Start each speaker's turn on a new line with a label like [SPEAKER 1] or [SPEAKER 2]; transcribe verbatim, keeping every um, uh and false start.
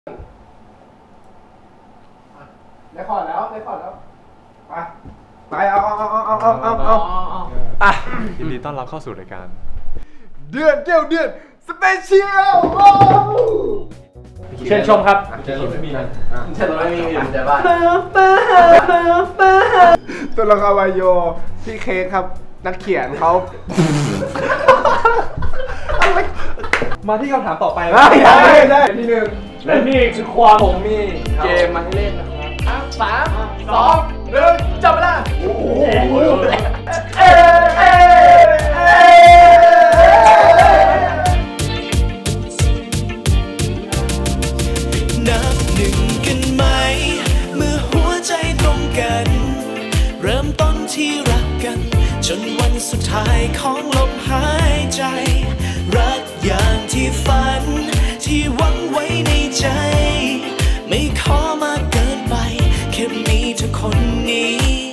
[SPEAKER 1] ได้ขอดแล้วได้ขอดแล้วไปไปเอาเอาเอาเอาเอาเอาเอาอ่ะ
[SPEAKER 2] ยินดีต้อนรับเข้าสู่รายการ
[SPEAKER 1] เดือนเดียวเดือนสเปเชียล
[SPEAKER 2] เชิญชมครับ
[SPEAKER 1] เชิญชมไม่มีนะ
[SPEAKER 3] เชิญชมไม่มีอยู่ในบ้าน
[SPEAKER 1] ตัวละครวายโยพี่เค้กครับนักเขียนเขา
[SPEAKER 2] มาที่คำถามต่อไป
[SPEAKER 1] ได้ได้ได้ที่หนึ่ง
[SPEAKER 2] และนี่คือความผมมี
[SPEAKER 3] เกมมาให้เล่นนะครับสามสองหนึ่งจับเวลาโอ้โหเอ๊ะเอ๊ะเอ๊ะ
[SPEAKER 4] นับหนึ่งกันไหมเมื่อหัวใจตรงกันเริ่มต้นที่รักกันจนวันสุดท้ายของลมหายใจรักอย่างที่ฝันที่หวังไว้ในใจไม่ขอมากเกินไปแค่มีเธอคนนี้